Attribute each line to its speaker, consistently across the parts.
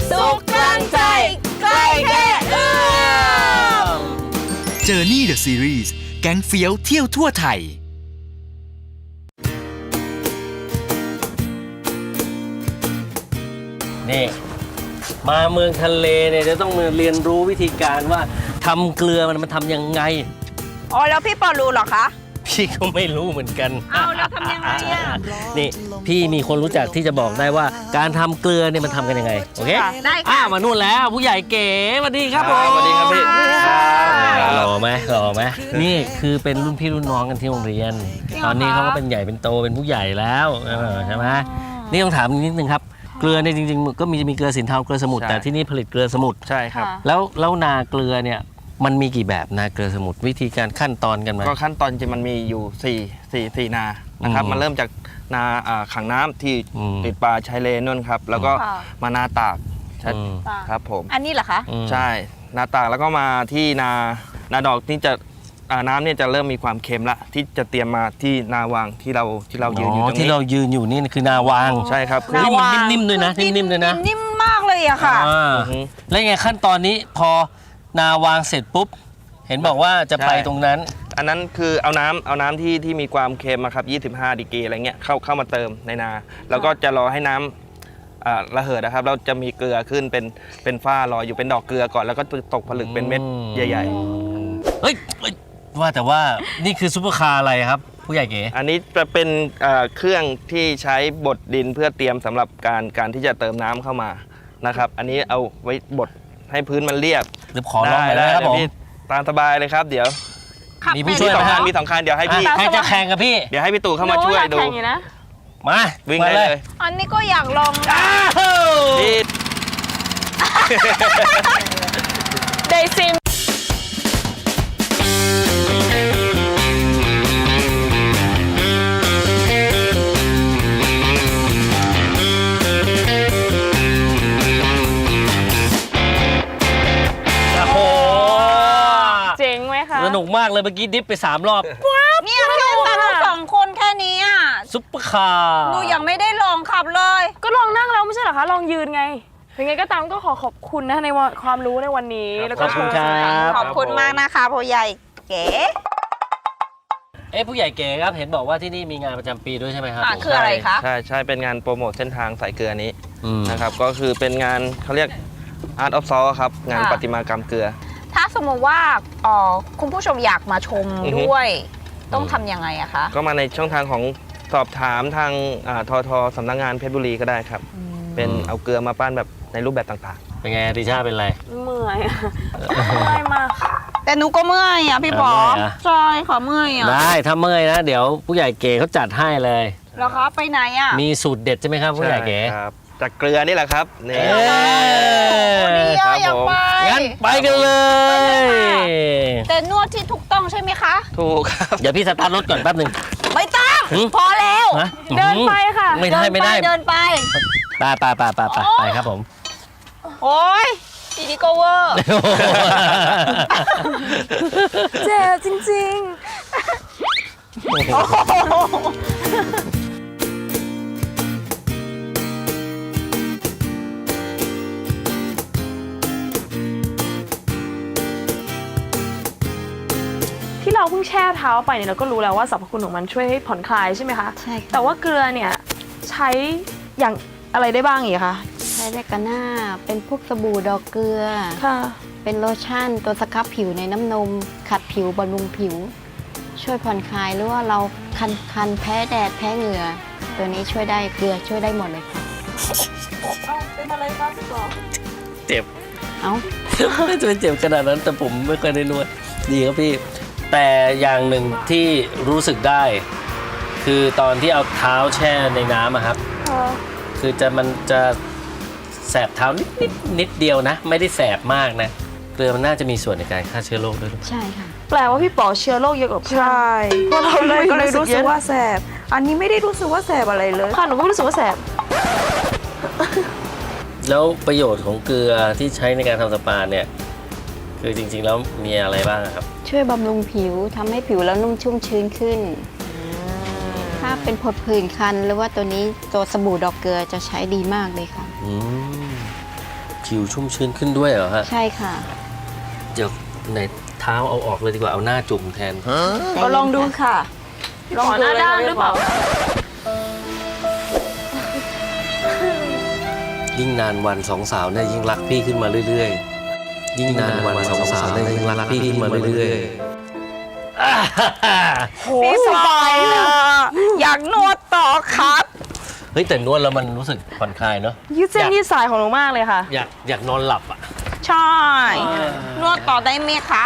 Speaker 1: สุขกลางใจใกล้แค่เอื้อม
Speaker 2: Journey the Series แก๊งเฟี้ยวเที่ยวทั่วไทย
Speaker 3: นี่มาเมืองทะเลเนี่ยจะต้องมาเรียนรู้วิธีการว่าทำเกลือมันทำยังไง
Speaker 1: อ๋อแล้วพี่ปอรู้เหรอคะ
Speaker 3: พี่ก็ไม่รู้เหมือนกัน
Speaker 1: เอาแล้วทำยังไงอ่ะ
Speaker 3: นี่พี่มีคนรู้จักที่จะบอกได้ว่าการทำเกลือเนี่ยมันทำกันยังไงโอเค
Speaker 1: ได้ค่ะ
Speaker 3: มานู่นแล้วผู้ใหญ่เก๋สวัสดีครับผม
Speaker 4: สวัสดีครับพี่
Speaker 3: หล่อไหมนี่คือเป็นรุ่นพี่รุ่นน้องกันที่โรงเรียน ตอนนี้เขาก็เป็นใหญ่เป็นโตเป็นผู้ใหญ่แล้วใช่ไหมนี่ต้องถามนิดนึงครับเกลือเนี่ยจริงๆก็มีเกลือสินเทาเกลือสมุทรแต่ที่นี่ผลิตเกลือสมุทร
Speaker 4: ใช่ครับ
Speaker 3: แล้วนาเกลือเนี่ยมันมีกี่แบบนาเกลือสมุทรวิธีการขั้นตอนกันไหม
Speaker 4: ก็ขั้นตอนจริงมันมีอยู่4นานะครับ มันเริ่มจากนาขังน้ำที่ติดปลาชายเลนนู่นครับ แล้วก็มานาตากครับผม
Speaker 1: อันนี้เหรอคะ
Speaker 4: ใช่นาตากแล้วก็มาที่นาดอกนี่จะน้ำเนี่ยจะเริ่มมีความเค็มละที่จะเตรียมมาที่นาวางที่เรายืนอยู่ตรงนี้
Speaker 3: ที่เรายืนอยู่นี่คือนาวาง
Speaker 4: ใช่ครับ
Speaker 3: นี่มันนิ่มๆด้วยนะนิ่มๆด้วยนะ
Speaker 1: นิ่มมากเลยอะค่ะ
Speaker 3: แล้วไงขั้นตอนนี้พอนาวางเสร็จปุ๊บเห็นบอกว่าจะไปตรงนั้น
Speaker 4: อันนั้นคือเอาน้ำที่มีความเค็มครับ25ดีกรีอะไรเงี้ยเข้ามาเติมในนาแล้วก็จะรอให้น้ำระเหิดนะครับเราจะมีเกลือขึ้นเป็นฝ้าลอยอยู่เป็นดอกเกลือก่อนแล้วก็ตกผลึกเป็นเม็ดใหญ่ๆ
Speaker 3: เฮ้ยว่าแต่ว่านี่คือซุปเปอร์คาร์อะไรครับผู้ใหญ่เก๋
Speaker 4: อันนี้จะเป็นเครื่องที่ใช้บดดินเพื่อเตรียมสำหรับการที่จะเติมน้ำเข้ามานะครับอันนี้เอาไว้บดให้พื้นมันเรียบ
Speaker 3: หรือขอลองหน่อยได้ครับผม
Speaker 4: พี่ตามสบายเลยครับเดี๋ยว
Speaker 3: มีผู้ช่วยไหมครับ
Speaker 4: มี2 คันเดี๋ยวให้พี่
Speaker 3: ใครจะแข่งกับพี่
Speaker 4: เดี๋ยวให้พี่ตู่เข้ามาช่วยดู
Speaker 3: มา
Speaker 4: วิ่งได้เลย
Speaker 1: อันนี้ก็อยากลองนะ
Speaker 4: พี่
Speaker 1: ได้ซิม
Speaker 3: โอ้โห
Speaker 5: เจ๋งไหมคะ
Speaker 3: สนุกมากเลยเมื่อกี้ดิฟไป3 รอบ
Speaker 1: เนี่ยแค่ตาทั้งสองคนแค่นี้อ่ะ
Speaker 3: ซุปเปอร์คาร์
Speaker 1: หนูยังไม่ได้ลองขับเลย
Speaker 5: ก็ลองนั่งแล้วไม่ใช่เหรอคะ ลองยืนไงยังไงก็ตามก็ขอขอบคุณนะในความรู้ในวันนี้ แล้ว
Speaker 3: ข
Speaker 5: ก็
Speaker 3: อบคุณครับ
Speaker 1: ขอบคุณมากนะคะพ่อใหญ่เก๋
Speaker 3: ผู้ใหญ่เก๋ครับเห็นบอกว่าที่นี่มีงานประจำปีด้วยใช่ไหมครับ
Speaker 1: คืออะไรคะ
Speaker 4: ใช่เป็นงานโปรโมทเส้นทางสายเกลือนี้
Speaker 3: นะ
Speaker 4: นะครับก็คือเป็นงานเขาเรียก Art of Salt ครับงานประติมากรรมเกลือ
Speaker 1: ถ้าสมมติว่าคุณผู้ชมอยากมาชม
Speaker 4: อือฮึ
Speaker 1: ด้วย ต้องทำยังไงอะคะ
Speaker 4: ก็มาในช่องทางของสอบถามทางทสำนักงานเพชรบุรีก็ได้ครับ เป็นเอาเกลือมาปั้นแบบในรูปแบบต่าง
Speaker 3: เป็นไงดิชาเป็นไร
Speaker 5: เมื่อยอะเมื่อยมาก
Speaker 1: แต่หนูก็เมื่อยอ่ะพี่ป๋อ
Speaker 3: เมื่อยอะ
Speaker 1: ใช่ขอเมื่อยอ่ะ
Speaker 3: ได้ถ้าเมื่อยนะเดี๋ยวผู้ใหญ่เก๋เขาจัดให้เลย
Speaker 1: แล้วคะไปไหนอ่ะ
Speaker 3: มีสูตรเด็ดใช่ไหมครับ
Speaker 4: ๆ
Speaker 3: ผู้ใหญ่เก๋
Speaker 4: ครับจากเกลือนี่แหละครับนี่
Speaker 3: เอ้ย
Speaker 1: ดี
Speaker 4: ครั
Speaker 1: อ่ะ
Speaker 4: บ
Speaker 1: อยากไป
Speaker 3: งั้นไปกันเลย
Speaker 1: แต่นวดที่ถูกต้องใช่ไหมคะ
Speaker 4: ถูกครับ
Speaker 3: เดี๋ยวพี่สตาร์ทรถก่อนแป๊บหนึ่ง
Speaker 1: ไม่ต้อง
Speaker 3: หือ
Speaker 1: พอแล้ว
Speaker 3: ฮะ
Speaker 5: เดินไปค่ะ
Speaker 3: ไม่ได้ไม่ได้
Speaker 1: เดินไป
Speaker 3: ไปครับผม
Speaker 1: โอ้ยดีดีก็เวอร์
Speaker 5: เจ็บจริง ๆ ที่เราเพิ่งแช่เท้าไปเนี่ยเราก็รู้แล้วว่าสรรพคุณของมันช่วยให้ผ่อนคลายใช่ไหมคะ
Speaker 6: ใช่ค่ะ
Speaker 5: แต่ว่าเกลือเนี่ยใช้อย่างอะไรได้บ้างอีกคะ
Speaker 6: ใช้ได้กันหน้าเป็นพวกสบู่ดอกเกลือ
Speaker 5: ค่ะ
Speaker 6: เป็นโลชั่นตัวสครับผิวในน้ำนม ขัดผิวบำรุงผิว ช่วยผ่อนคลายหรือว่าเราคันแพ้แดดแพ้เหงื่อ ตัวนี้ช่วยได้เกลือช่วยได้หมดเลยค่ะ
Speaker 5: เป็นอะไรคะพี่บอก
Speaker 3: เจ็บ
Speaker 6: เอ้า
Speaker 3: ไม่จะเป็นเจ็บขนาดนั้นแต่ผมไม่เคยได้นวดดีครับพี่ แต่อย่างหนึ่งที่รู้สึกได้ คือตอนที่เอาเท้าแช่ในน้ำอะครับ คือมันจะแสบเท้านิดเดียวนะ ไม่ได้แสบมากนะเกลือมันน่าจะมีส่วนในการฆ่าเชื้อโรคด้วย
Speaker 6: ใช่ค่ะ
Speaker 5: แปลว่าพี่ป๋อเชื้อโรคเยอะกว่าเพื่อน
Speaker 7: ใช่
Speaker 5: เพราะเราเลย
Speaker 7: ก็เลยรู้สึกว่า
Speaker 5: เยอะ
Speaker 7: แสบ อันนี้ไม่ได้รู้สึกว่าแสบอะไรเลย
Speaker 5: ค่ะหนูก็รู้สึกว่าแสบ
Speaker 3: แล้วประโยชน์ของเกลือที่ใช้ในการทำสปาเนี่ยคือจริงๆแล้วมีอะไรบ้างครับ
Speaker 6: ช่วยบำรุงผิวทำให้ผิวเรานุ่มชุ่มชื้นขึ้น ถ้าเป็นผดผื่นคันหรือว่าตัวนี้ตัวสบู่ดอกเกลือจะใช้ดีมากเลยค่ะ
Speaker 3: อืมผิวชุ่มชื้นขึ้นด้วยเหรอฮะ
Speaker 6: ใช่ค่ะ
Speaker 3: เดี๋ยวในเท้าเอาออกเลยดีกว่าเอาหน้าจุ่มแทน
Speaker 7: ก็ลองดูค่ะ
Speaker 5: ลองหน้าด้านหรือเปล่า
Speaker 3: ยิ่งนานวันสองสาวเนี่ยยิ่งรักพี่ขึ้นมาเรื่อยๆ ยิ่งนานวันสองสาวเนี่ยยิ่งรักพี่ขึ้นมาเรื่อยๆ
Speaker 7: โหสบายอะอยากนวดต่อครับ
Speaker 3: เฮ้ยแต่นวดแล้วมันรู้สึกผ่อนคลายเนาะ
Speaker 5: ยืดเส้นยืดสายของหนูมากเลยค่ะ
Speaker 3: อยากนอนหลับอ่ะ
Speaker 7: ใช่ นวดต่อได้ไหมคะ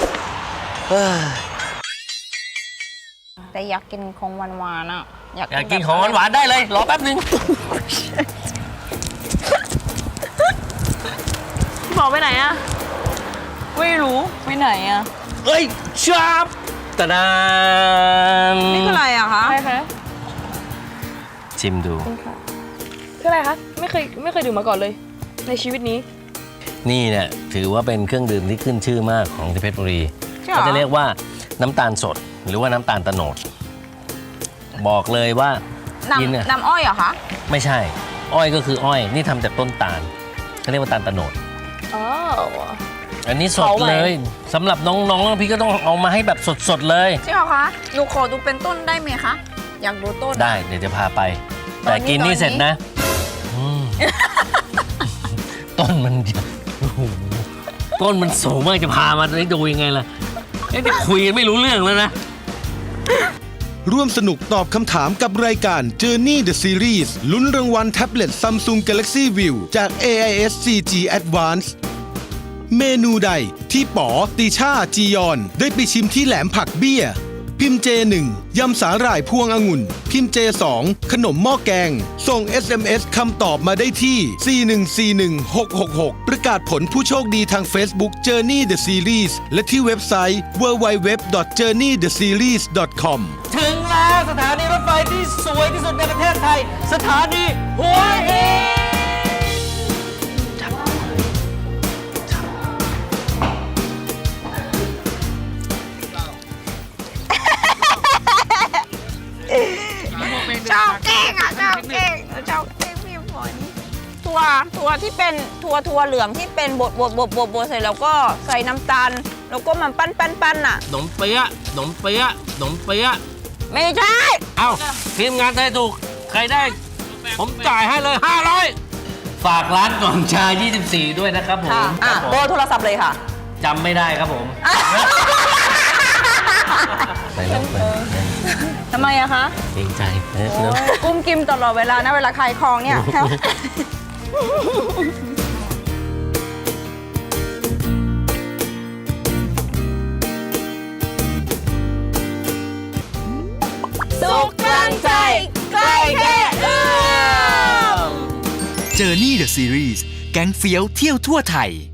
Speaker 7: แต่อยากกินของหวานๆอ่ะ
Speaker 3: อยากกินของหวานๆได้เลย รอแป๊บนึง
Speaker 5: พี่บอกไปไหนอะ
Speaker 7: ไม่รู้ไปไหนอ่ะ
Speaker 3: เอ้ยชับตะดาน
Speaker 7: นี่คืออะไรอะคะ
Speaker 5: อะไรคะ
Speaker 3: ชิมดู
Speaker 5: คืออะไรคะไม่เคยดื่มมาก่อนเลย ในชีวิตนี้
Speaker 3: นี่เนี่ยถือว่าเป็นเครื่องดื่มที่ขึ้นชื่อมากของที่เพชรบุรี
Speaker 7: ใช่เหรอ
Speaker 3: เขาจะเรียกว่าน้ำตาลสดหรือว่าน้ำตาลโตโนด บอกเลยว่ากินเนี่ย
Speaker 7: น้ำอ้อยเหรอคะ
Speaker 3: ไม่ใช่ อ้อยก็คืออ้อย นี่ทำจากต้นตาลเขาเรียกว่าตาลโตโนด
Speaker 5: อ๋อ
Speaker 3: อันนี้สด
Speaker 5: เผาใหม่
Speaker 3: เลยสำหรับน้องๆพี่ก็ต้องเอามาให้แบบสดๆเลย
Speaker 7: ใช่เหรอคะ หนูขอดูเป็นต้นได้ไหมคะ อยากดูต้น
Speaker 3: ได้เดี๋ยวจะพาไป แต่กินนี่เสร็จนะอืม ต้นมันโอ้โหต้นมันสูงมากจะพามาได้ดูยังไงล่ะจะคุยกันไม่รู้เรื่องแล้วนะ
Speaker 8: ร่วมสนุกตอบคำถามกับรายการ Journey the Series ลุ้นรางวัลแท็บเล็ต Samsung Galaxy View จาก AIS 4G Advance เมนูใดที่ป๋อติช่าจียอนได้ไปชิมที่แหลมผักเบี้ย พิมพ์ J1 ยำสาหร่ายพวงองุ่น พิมพ์ J2 ขนมหม้อแกง ส่ง SMS คำตอบมาได้ที่ 4141666 ประกาศผลผู้โชคดีทาง Facebook Journey the Series และที่เว็บไซต์ www.journeytheseries.com
Speaker 3: ถึงแล้วสถานีรถไฟที่สวยที่สุดในประเทศไทย สถานีหัวหิน
Speaker 7: ชอบแกล้งอ่ะชอบแกล้งชอบแกล้งพี่ฝนถั่วที่เป็นถั่วเหลืองที่เป็นบดเสร็จแล้วก็ใส่น้ำตาล แล้วก็มันปั้นอ่ะ
Speaker 3: ขนมเปี๊ยะขนมเปี๊ยะขนมเปี๊ยะ
Speaker 7: ไม่ใช่
Speaker 3: เอ้าทีมงานได้ถูก ใครได้ ผมจ่ายให้เลย 500 ฝากร้านกล่องชา 24 ด้วยนะครับผม
Speaker 7: ค่ะ
Speaker 3: ครับผม
Speaker 7: เบอร์โทรศัพท์เลยค่ะ
Speaker 3: จำไม่ได้ครับผมไปแล้วไป
Speaker 7: ทำไมอะคะ
Speaker 3: เกรงใจเนอะ
Speaker 7: กุ้มกิมตลอดเวลานะเวลาขายของเนี่ย
Speaker 1: สุขกลางใจ ใกล้แค่เอื้อม
Speaker 2: Journey the Series แก๊งเฟี้ยวเที่ยวทั่วไทย